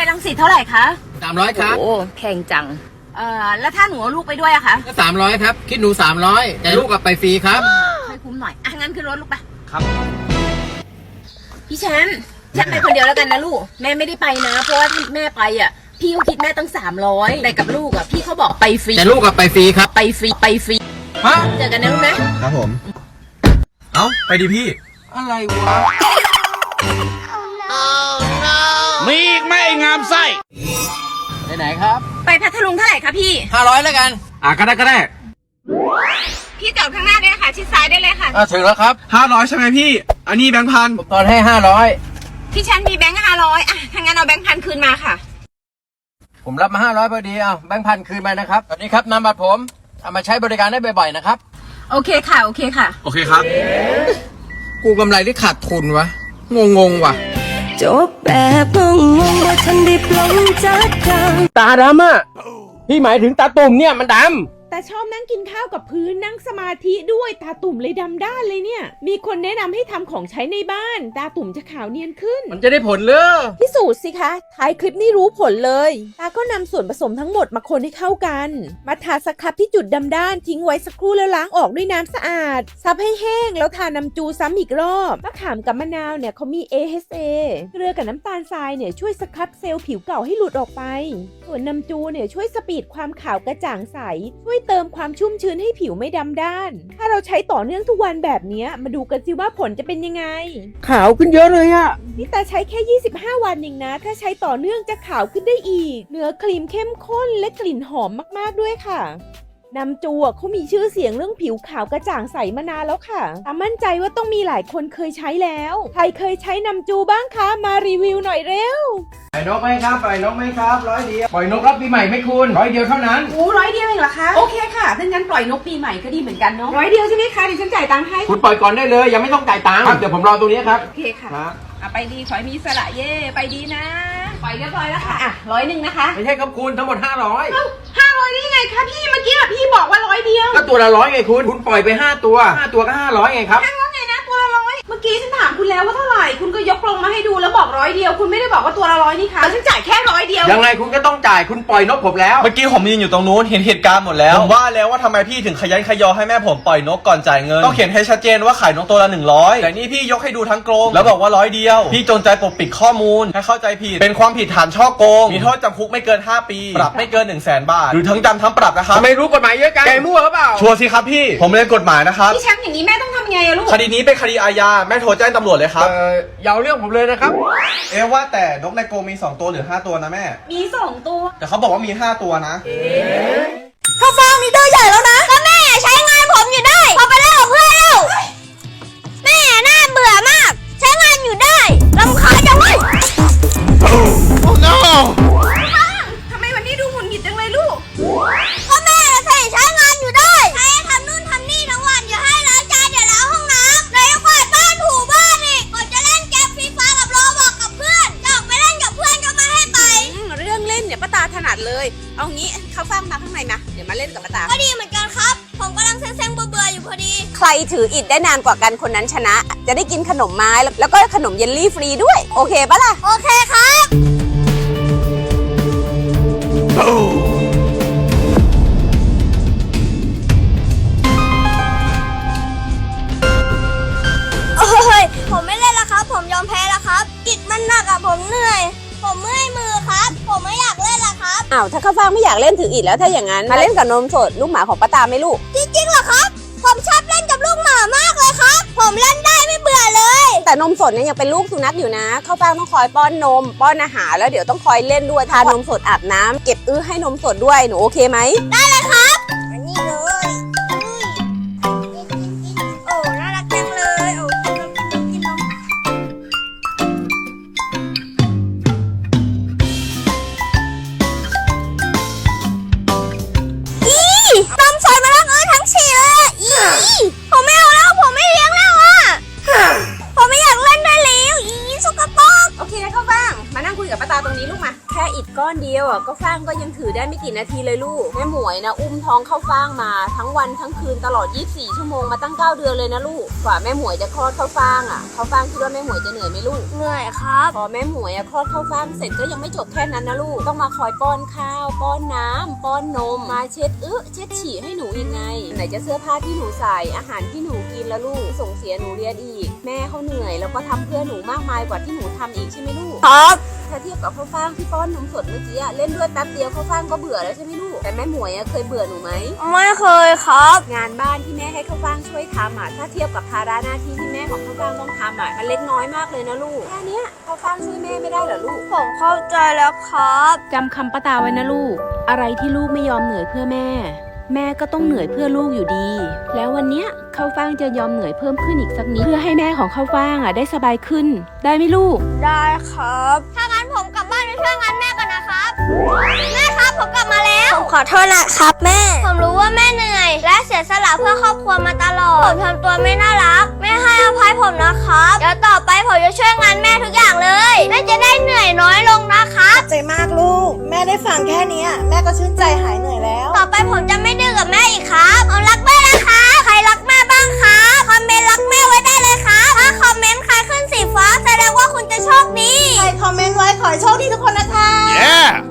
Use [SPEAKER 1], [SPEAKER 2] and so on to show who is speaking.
[SPEAKER 1] รังสิตเท่าไหร่คะ
[SPEAKER 2] 300ครับ
[SPEAKER 3] โอ้แพงจัง
[SPEAKER 1] แล้วถ้าหนูเอาลูกไปด้วยอะคะ
[SPEAKER 2] ก็300ครับคิดหนู300แต่ลูกกลับไปฟรีครับ
[SPEAKER 1] ค่อยคุ้มหน่อยงั้นขึ้นรถลูกไป
[SPEAKER 2] ครับ
[SPEAKER 1] พี่แชมป์ไปคนเดียวแล้วกันนะลูกแม่ไม่ได้ไปนะเพราะว่าแม่ไปอ่ะพี่เขาคิดแม่ตั้ง300แต่กับลูกอ่ะพี่เขาบอกไปฟรี
[SPEAKER 2] แต่ลูกกลับไปฟรีครับ
[SPEAKER 1] ไปฟรี
[SPEAKER 2] ฮะ
[SPEAKER 1] เจอกันนะลูกนะครับ
[SPEAKER 4] ผมไปดิพี่
[SPEAKER 2] อะไรวะ
[SPEAKER 5] มีอีกไหมไอ้งามไส้
[SPEAKER 2] ไปไหนครับ
[SPEAKER 1] ไปพัทลุงเท่าไหร่คะพี่
[SPEAKER 2] 500แล้วกัน
[SPEAKER 4] ก็ได้
[SPEAKER 1] พี่จอดข้างหน้าได้ค่ะชิดซ้ายได้เลยค่ะ
[SPEAKER 2] ถึงแล้วครับ
[SPEAKER 4] 500ใช่ไหมพี่อันนี้แบงค์พัน
[SPEAKER 2] ผมตอนให้500
[SPEAKER 1] พี่แชมป์มีแบงค์500ถ้างั้นเอาแบงค์พันคืนมาค่ะ
[SPEAKER 2] ผมรับมา500พอดีแบงค์พันคืนมานะครับตอนนี้ครับนำบัตรผมเอามาใช้บริการได้บ่อยๆนะครับ
[SPEAKER 1] โอเคค่ะโอเค
[SPEAKER 4] ครับ
[SPEAKER 2] กูกำไรที่ขาดทุนวะงงว่ะ
[SPEAKER 3] จบแบบงงว่าฉันได้ปลงจากกัน
[SPEAKER 2] ตาดำอ่ะพี่หมายถึงตาตุ่มเนี่ยมันดำ
[SPEAKER 6] แต่ชอบนั่งกินข้าวกับพื้นนั่งสมาธิด้วยตาตุ่มเลยดำด้านเลยเนี่ยมีคนแนะนำให้ทำของใช้ในบ้านตาตุ่มจะขาวเนียนขึ้น
[SPEAKER 2] มันจะได้ผลเลย
[SPEAKER 6] พิสูจน์สิคะท้ายคลิปนี้รู้ผลเลยตาก็นำส่วนผสมทั้งหมดมาคนให้เข้ากันมาทาสครับที่จุดดำด้านทิ้งไว้สักครู่แล้วล้างออกด้วยน้ำสะอาดซับให้แห้งแล้วทาน้ำจูซ้ำอีกรอบมะขามกับมะนาวเนี่ยเขามี AHA เกลือกับน้ำตาลทรายเนี่ยช่วยสครับเซลล์ผิวเก่าให้หลุดออกไปส่วนน้ำจูเนี่ยช่วยสปีดความขาวกระจ่างใสช่วยเติมความชุ่มชื้นให้ผิวไม่ดำด้านถ้าเราใช้ต่อเนื่องทุกวันแบบนี้มาดูกันสิว่าผลจะเป็นยังไง
[SPEAKER 2] ขาวขึ้นเยอะเลยอะ
[SPEAKER 6] นี่แต่ใช้แค่25วันเองนะถ้าใช้ต่อเนื่องจะขาวขึ้นได้อีกเนื้อครีมเข้มข้นและกลิ่นหอมมากๆด้วยค่ะน้ำจูเขามีชื่อเสียงเรื่องผิวขาวกระจ่างใสมานานแล้วค่ะแต่มั่นใจว่าต้องมีหลายคนเคยใช้แล้วใครเคยใช้น้ำจูบ้างคะมารีวิวหน่อยเร็ว
[SPEAKER 2] ปล่อยนกไหมครับ100เดียวปล่อยนกรับปีใหม่ไหมคุณ100เดียวเท่านั้น
[SPEAKER 1] 100เดียวเองเหรอคะโอเคค่ะถ้างั้นปล่อยนกปีใหม่ก็ดีเหมือนกันเนาะ100เดียวใช่ไหมคะดิฉันจ่ายตังค์ให้
[SPEAKER 2] คุณปล่อยก่อนได้เลยยังไม่ต้องจ่ายตังค์เดี๋ยวผมรอตรงนี้ครับ
[SPEAKER 1] โอเคค่ะไปดีขอให้มีสระเย่ไปดีนะปล่อยเรียบร้อยแล้วค่ะ100นะคะ
[SPEAKER 2] ไม่ใช่ครับคุณทั้งหมด500
[SPEAKER 1] 500ได้ยังไงคะพี่เมื่อกี้พี่บอกว่า100เดียว
[SPEAKER 2] ก็ตัวละ100ไงคุณปล่อยไป5ตัวก็500ไงครับ
[SPEAKER 1] ว่าไงนะตัวละ100เมื่อกี้ฉันถามคุณแล้วว่าเท่าไหร่คุณก็ยกลงมาให้ดูแล้วบอก100เดียวคุณไม่ได้บอกว่าตัวละ100นี่คะฉันจ่ายแค่100เดียว
[SPEAKER 2] ยังไงคุณก็ต้องจ่ายคุณปล่อยนกผมแล้ว
[SPEAKER 4] เมื่อกี้ผมยืนอยู่ตรงนู้นเห็นเหตุการณ์หมดแล้วผมว่าแล้วว่าทำไมพี่ถึงขยันขยอให้แม่ผมปล่อยนกก่อนจ่ายเงินต้องเขียนให้ชัดเจนว่าขายนกตัวละ100แต่นี่พี่ยกให้ดูทั้งกรงแล้วบอกว่า100เดียวพี่จงใจปกปิดข้อมูลให้เข้าใจผิดเป็นความผิดฐานฉ้อโกงมีโทษจำคุกไม่เกิน5 ปีปรับไม่เกิน100,000 บาทหรือทั้งจำทั้งปรับนะครับ
[SPEAKER 2] ไม่รู้กฎหมายเยอะจังแกมั่วหรือเปล่า
[SPEAKER 4] ชัวร์สิครับพี่ผมเรียนกฎหมายนะครับ
[SPEAKER 1] พี่แชมป์อย่างนี้แม่ต้องทำไงอะลูก
[SPEAKER 4] คดีนี้เป็นคดีอาญาแม่โทรแจ้งตำรวจเลยครับ
[SPEAKER 2] อย่าเอาเรื่องผมเลยนะครับ
[SPEAKER 4] ว่าแต่นกในกรงมี2ตัวหรือ5ตัวนะแม่
[SPEAKER 1] มี2ตัว
[SPEAKER 4] แต่เขาบอกว่ามี5ตัวนะ
[SPEAKER 3] ข้าวฟ่างมีเตอร์ใหญ่แล้วนะก็แม่ใช้งานผมอยู่ได้พอไปเล่นกับเพื่อนแล้วแม่น่าเบื่อมากใช้งานอยู่ได้รำคาญจังเลย
[SPEAKER 1] ทำไมวันนี้ดูหงุดหงิดจังเลยลูก
[SPEAKER 3] ก็แม่ใช้งานอยู่ได้ให้ทำนู่นทำนี่ทั้งวันอย่าให้ล้างจานอย่าล้างห้องน้ำเลยกวาดบ้านถูบ้านอีกก่อนจะเล่นเกมฟรีไฟกับโรบอกกับเพื่อนอยากไปเล่นกับเพื่อนก็ไม่ให้ไป
[SPEAKER 1] เรื่องเล่นเนี่ยป้าตาถนัดเลยเอางี้เขาฟังมาข้างในนะเดี๋ยวมาเล่นกับป้าตา
[SPEAKER 3] ก็ดีเหมือนกันครับผมกำลังเซ็งๆเบื่ออยู่พอดี
[SPEAKER 1] ใครถืออิฐได้นานกว่ากันคนนั้นชนะ จะได้กินขนมไม้แล้วก็ขนมเยลลี่ฟรีด้วยโอเคปะล่ะ
[SPEAKER 3] โอเคครับโอ้ยผมไม่เล่นแล้วครับผมยอมแพ้แล้วครับอิฐมันหนักอะผมเหนื่อยผมเมื่อยมือครับผมไม่อยากเล่นละครับ
[SPEAKER 1] อ้าวถ้าข้าวฟ่างไม่อยากเล่นถืออิฐแล้วถ้าอย่างนั้นมาเล่นกับนมสดลูกหมาของป้าตาไหมลูก
[SPEAKER 3] จริงๆเหรอครับผมชอบเล่นกับลูกหมามากเลยครับผมเล่นได้ไม่เบื่อเลย
[SPEAKER 1] แต่นมสดเนี่ยยังเป็นลูกสุนัขอยู่นะข้าวฟ่างต้องคอยป้อนนมป้อนอาหารแล้วเดี๋ยวต้องคอยเล่นด้วยทานมสดอาบน้ำเก็บให้นมสดด้วยหนูโอเคไหม
[SPEAKER 3] ได้เลยครับอันนี้เลยโอ้น่ารักจังเลยโอ้กินนมนมสดมาทั้งฉี่เลยผมไม่เอาแล้วผมไม่เลี้ยงแล้วอ่ะผมไม่อยากเล่นได้แล้วสกปรก
[SPEAKER 1] โอเคข้าวฟ่างมานั่งคุยกับป้าตาตรงนี้ลูกมาแค่อิฐก้อนเดียวอ่ะก็ฟางก็ยังถือได้ไม่กี่นาทีเลยลูกแม่หมวยนะอุ้มท้องเข้าฟางมาทั้งวันทั้งคืนตลอด24ชั่วโมงมาตั้ง9เดือนเลยนะลูกกว่าแม่หมวยจะคลอดเข้าฟางอ่ะเข้าฟางคิดว่าแม่หมวยจะเหนื่อยไหมลูก
[SPEAKER 3] เหนื่อยครับ
[SPEAKER 1] พอแม่หมวยคลอดเข้าฟางเสร็จก็ยังไม่จบแค่นั้นนะลูกต้องมาคอยป้อนข้าวป้อนน้ำป้อนนมมาเช็ดเช็ดฉี่ให้หนูยังไงไหนจะเสื้อผ้าที่หนูใส่อาหารที่หนูกินแล้วลูกส่งเสียหนูเรียนอีกแม่เขาเหนื่อยแล้วก็ทำเพื่อหนูมากมายกว่าที่หนูทำอีกใช่ไหมลูก
[SPEAKER 3] ครับ
[SPEAKER 1] ถ้าเทียบกับข้าวฟ่างที่ป้อนนมสดเมื่อกี้เล่นด้วยแป๊บเดียวข้าวฟ่างก็เบื่อแล้วใช่ไหมลูกแต่แม่หมวยเคยเบื่อหนูไหม
[SPEAKER 3] ไม่เคยครับ
[SPEAKER 1] งานบ้านที่แม่ให้ข้าวฟ่างช่วยทำถ้าเทียบกับภาระหน้าที่ที่แม่ของข้าวฟ่างต้องทำมันเล็กน้อยมากเลยนะลูกแค่เนี้ยข้าวฟ่างช่วยแม่ไม่ได้เหรอลูก
[SPEAKER 3] ผมเข้าใจแล้วครับ
[SPEAKER 1] จำคำป้าตาไว้นะลูกอะไรที่ลูกไม่ยอมเหนื่อยเพื่อแม่แม่ก็ต้องเหนื่อยเพื่อลูกอยู่ดี แล้ววันเนี้ยข้าวฟ่างจะยอมเหนื่อยเพิ่มขึ้นอีกสักนิดเพื่อให้แม่ของข้าวฟ่างได้สบายขึ้นได้ไหมลูก
[SPEAKER 3] ได้ครับ ถ้างั้นผมกลับบ้านไปช่วยงานแม่ก่อนนะครับ แม่ครับผมกลับมาแล้ว ผมขอโทษนะครับแม่ ผมรู้ว่าแม่เหนื่อย และเสียสละเพื่อครอบครัวมาตลอด ผมทำตัวไม่น่ารักแม่ให้อภัยผมนะครับ เดี๋ยวต่อไปผมจะช่วยงานแม่ทุกอย่างเลยแม่จะได้เหนื่อยน้อยลงนะครับ
[SPEAKER 7] ใจมากลูก แม่ได้ฟังแค่เนี้ยแม่ก็ชื่นใจหายเหนื่อยแล้ว
[SPEAKER 3] ต่อไปผมจะไม่ดื้อกับแม่อีกครับผมรักแม่นะคะใครรักแม่บ้างครับคอมเมนต์รักแม่ไว้ได้เลยครับถ้าคอมเมนต์ใครขึ้นสีฟ้าแสดงว่าคุณจะโชคดี
[SPEAKER 7] ใครคอมเมนต์ไว้ขอให้โชคดีทุกคนนะคะ
[SPEAKER 5] Yeah